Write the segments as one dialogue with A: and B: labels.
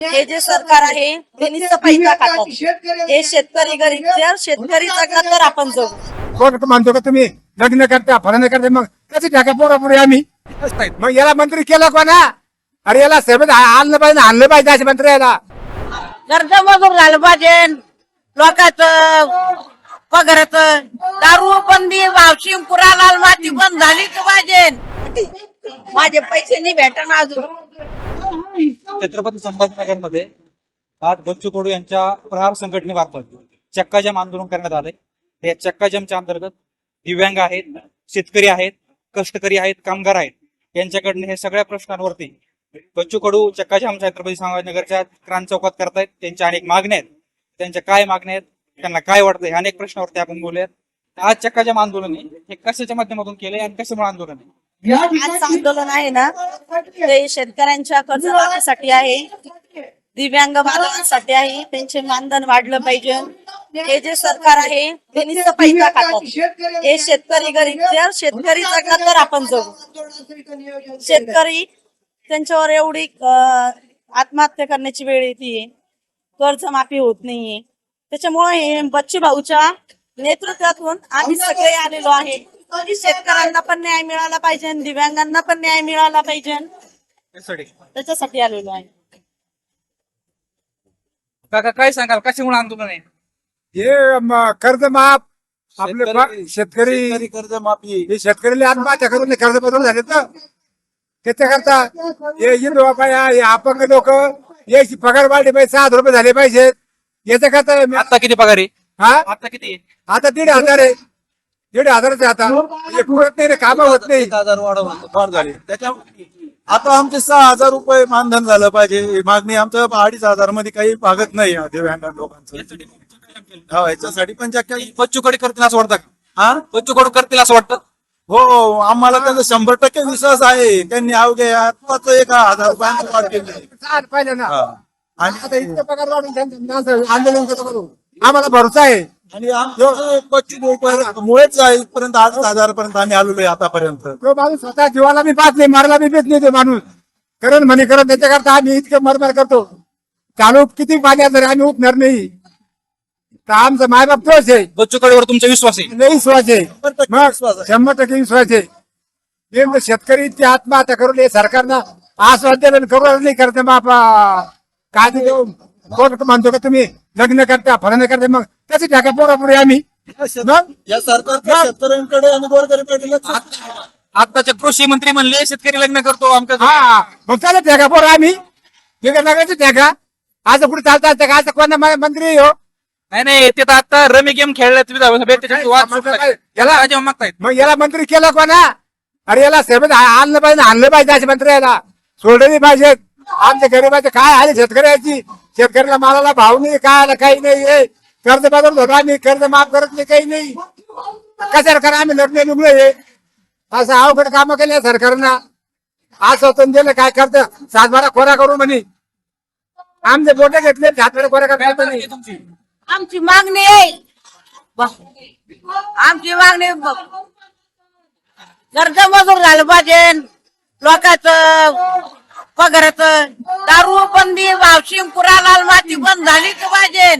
A: हे जे सरकार आहे ते नुसतं पैसा खातात. हे शेतकरी गरीब जर शेतकरी जगला तर आपण जगू.
B: कोण मानतो का तुम्ही लग्न करता फलन करते मग त्याची टाका पोरापुरी आम्ही मग याला मंत्री केला कोणा? अरे याला सेवेत आणलं पाहिजे आणलं पाहिजे असे मंत्री याला
A: कर्ज मजूर झालं पाहिजे लोकांचं पगाराचं दारू बंदी वावशी पुराला माती बंद झालीच पाहिजे. माझे पैसे नाही भेटणार अजून.
C: छत्रपती संभाजीनगर मध्ये आज बच्चू कडू यांच्या प्रहार संघटनेमार्फत चक्काजाम आंदोलन करण्यात आले. या चक्काजामच्या अंतर्गत दिव्यांग आहेत, शेतकरी आहेत, कष्टकरी आहेत, कामगार आहेत, यांच्याकडनं हे सगळ्या प्रश्नांवरती बच्चू कडू चक्काजाम छत्रपती संभाजीनगरच्या क्रांती चौकात करतायत. त्यांच्या अनेक मागण्या आहेत. त्यांच्या काय मागण्या आहेत, त्यांना काय वाटतंय, अनेक प्रश्नावरती आपण बोलूयात. आज चक्काजाम आंदोलन आहे हे कशाच्या माध्यमातून केलंय आणि कशामुळे आंदोलन आहे?
A: आज आंदोलन आहे ना ते शेतकऱ्यांच्या कर्जमाफीसाठी आहे, दिव्यांग बांधवांसाठी आहे. त्यांचे मानधन वाढलं पाहिजे. हे जे सरकार आहे ते नुसतं पैसा खातात. हे शेतकरी गरीब जर शेतकरी जगला तर आपण जगू. शेतकरी त्यांच्यावर एवढी आत्महत्या करण्याची वेळ येते, कर्जमाफी होत नाहीये. त्याच्यामुळे हे बच्चू भाऊच्या नेतृत्वातून आम्ही सगळे आलेलो आहे. शेतकऱ्यांना पण न्याय मिळाला पाहिजे, दिव्यांगांना पण न्याय मिळाला पाहिजे, त्याच्यासाठी आलेलो आहे.
C: काका काय सांगाल, कशामुळे आंदोलन आहे?
B: हे कर्ज माफ आपले शेतकरी
D: कर्ज माफी
B: हे शेतकऱ्याला आत्महत्या करून कर्ज बदल झाले तर त्याच्याकरता हे हिंदू बाया हे अपंग लोक याची पगार वाढली पाहिजे, 6 रुपये झाले पाहिजेत. याच्याकरता
C: आता किती पगार आहे?
B: हा
C: आता किती आहे?
B: आता 1,500 आहे. 1,500 आता हे पुरत नाही रे, कामं होत नाही.
D: 1,000 वाढ झाली त्याच्या आता आमचे 6,000 रुपये मानधन झालं पाहिजे. ही मागणी आमचं 2,500 मध्ये काही भागत नाही या दिव्यांग लोकांचं. हा, याच्यासाठी पण
C: बच्चू कडू करतील असं वाटतं का?
D: हा
C: बच्चू कडू करतील असं वाटतं?
D: हो, आम्हाला त्यांचा 100% विश्वास आहे. त्यांनी अवघे आत्ताच 1,000 रुपयांची वाढ केली.
B: चाल पाहिलं ना.
D: हा. आणि
B: आता इतकं पगार वाढून त्यांचं असं आंदोलन करतो करू. आम्हाला भरोसा आहे.
D: आणि आमचं 25 मुळेच इथपर्यंत 8,000 पर्यंत आम्ही आलेलो आहे आतापर्यंत.
B: तो माणूस स्वतः जीवाला मी पाहत नाही, मारायला मी भेट नाही. तो माणूस करण म्हणे करण त्याच्याकरता आम्ही इतकं मरमर करतो. चालू किती पाण्यात जरी आम्ही उठणार नाही तर आमचा मायबाप तोच आहे.
C: बच्चू कडूवर तुमचा विश्वास आहे?
B: नाही विश्वास आहे.
D: 100% विश्वास आहे.
B: 100% विश्वास आहे. नेमकं शेतकरी आत्महत्या करून हे सरकारनं आश्वासन करून नाही करते बापा काय देऊ. कोण म्हणतो का तुम्ही लग्न करता फलन करते मग त्याची टाका पोरापुरी आम्ही मग
D: या सरकारच्या शेतकऱ्यांकडे आणि गोरगरिबांकडे लक्ष
C: आताचे कृषी मंत्री म्हणले शेतकरी लग्न करतो आमचं.
B: हा मग त्याला टाका पोर आम्ही वेगळं लागायचं टाका. आज पुढे चालतात का? आज कोणा मंत्री हो
C: नाही ते तर आता रमी गेम खेळल्यात याला मागतायत.
B: मग याला मंत्री केला कोणा? अरे याला सेवेत आणलं पाहिजे आणलं पाहिजे असे मंत्री याला सोडले पाहिजेत. आमच्या गरीबाचे काय आले शेतकऱ्याची शेतकऱ्याला मालाला भाव नाही, काय काही नाही. कर्ज बदल होता आम्ही कर्ज माफ करत नाही, काही नाही. कशाला करा आम्ही लग्न निघलो हे असं अवघड कामं केले सरकारनं. आज स्वतंत्र दिलं काय करतं 7-12 खोरा करू म्हणे. आमचे बोटे घेतले 7-12 खोरा करता नाही.
A: आमची मागणी आहे, आमची मागणी कर्ज मजूर झालं पाहिजे, लोकांचं पगाराचं दारू बंदी वावशी पुराला माती बंद झालीच पाहिजे.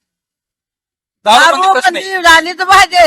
A: दारू बंदी झालीच पाहिजे.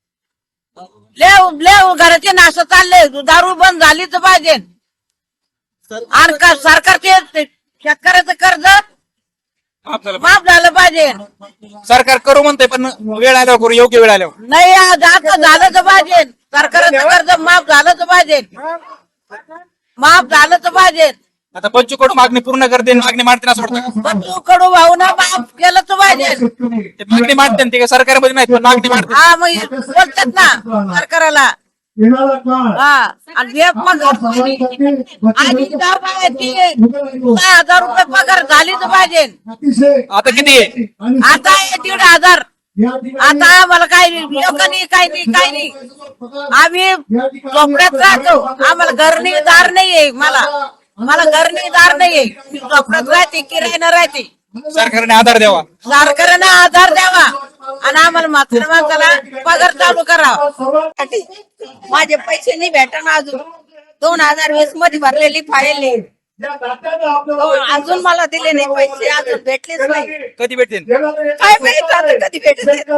A: लेव घराचे नाश चालले, दारू बंद झालीच पाहिजे. आणि सरकारचे शेतकऱ्याचं कर्ज माफ झालं पाहिजे.
C: सरकार करू म्हणते पण वेळ आल्यावर करू, योग्य वेळ आल्यावर
A: नाही. आता झालंच पाहिजे. सरकारचं कर्ज माफ झालंच पाहिजे, माफ झालंच पाहिजे.
C: आता बच्चू कडू मागणी पूर्ण करते, मागणी मांडते असं वाटतं?
A: बच्चू कडू भाऊन माफ केलंच पाहिजे.
C: ते मागणी मांडते ते सरकारमध्ये नाही पण मागणी मांडते.
A: हा मग बोलतात ना सरकाराला. हा आणि हे मग आणि 6,000 रुपये पगार झालीच पाहिजे.
C: आता किती आहे?
A: आता 1,500. आता आम्हाला काही नाही, लोकांनी काही नाही, काही नाही. आम्ही झोपड्यात राहतो, आम्हाला घर नाही दार नाहीये. मला घर नाही दार नाहीये. मी झोपड्यात राहते, किरायानं राहते.
C: सरकारने आधार द्यावा,
A: सरकारने आधार द्यावा आणि आम्हाला म्हाताऱ्या माणसाला पगार चालू करावा. माझे पैसे नाही भेटणार अजून. 2020 मध्ये भरलेली फाईल अजून मला दिले नाही पैसे, अजून भेटलेच नाही.
C: कधी भेटतील?
A: काय माहित आता कधी भेटते.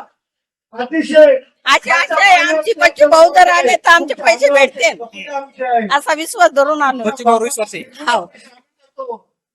A: अशी आशा आहे आमची. बच्चू भाऊ जर आले तर आमचे पैसे भेटते असा विश्वास धरून आणू.
C: बच्चू भाऊ विश्वास आहे.
A: हो.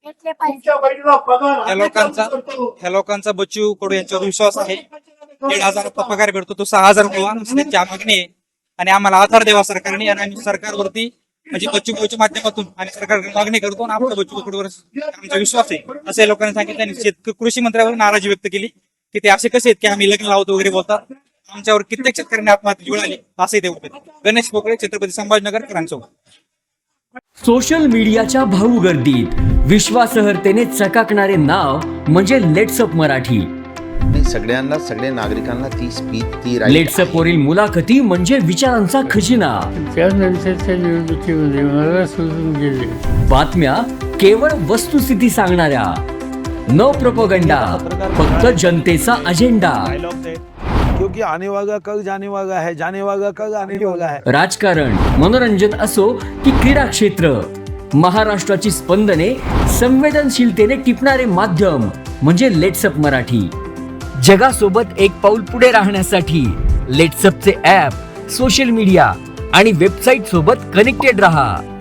C: ह्या लोकांचा बच्चू कडू यांच्यावर विश्वास आहे. 1,500 पगार भेटतो, तो 6,000 व्हावा अशी त्यांची मागणी आहे. आणि आम्हाला आधार द्यावा सरकारने. आणि आम्ही सरकारवरती म्हणजे बच्चू भाऊच्या माध्यमातून आणि सरकारकडे मागणी करतो आणि आपल्या बच्चू कडूवर आमचा विश्वास आहे असं या लोकांनी सांगितलं. आणि कृषी मंत्र्यावर नाराजी व्यक्त केली की ते असे कसे आहेत की आम्ही लग्न लावतो वगैरे बोलतात. आमच्यावर कित्येक शेतकऱ्यांनी आत्महत्या जुळाली असंही ते बोलतात. गणेश पोकळे, छत्रपती संभाजीनगर, करांचौक.
E: सोशल मीडियाच्या भाऊ गर्दीत विश्वासार्हतेने चकाकणारे नाव म्हणजे लेट्सअप मराठी.
F: सगळ्यांना, सगळ्या नागरिकांना ती स्पीच, ती
E: लेट्सअप वरील मुलाखती म्हणजे विचारांचा खजिना.
G: त्यानंतरच्या निवडणुकीमध्ये मला सोडून गेले.
E: बातम्या केवळ वस्तुस्थिती सांगणाऱ्या, न प्रोपगंडा, फक्त जनतेचा अजेंडा.
H: क्योंकि आने वाला कल जाने वाला है, जाने वाला कल आने वाला है.
E: राजकारण, मनोरंजन असो की क्रीडा क्षेत्र, महाराष्ट्राची स्पंदने संवेदनशीलतेने टिपणारे माध्यम म्हणजे लेट्सअप मराठी. जगासोबत एक पाऊल पुढे राहण्यासाठी लेट्सअपचे ॲप, सोशल मीडिया आणि वेबसाईट सोबत कनेक्टेड रहा.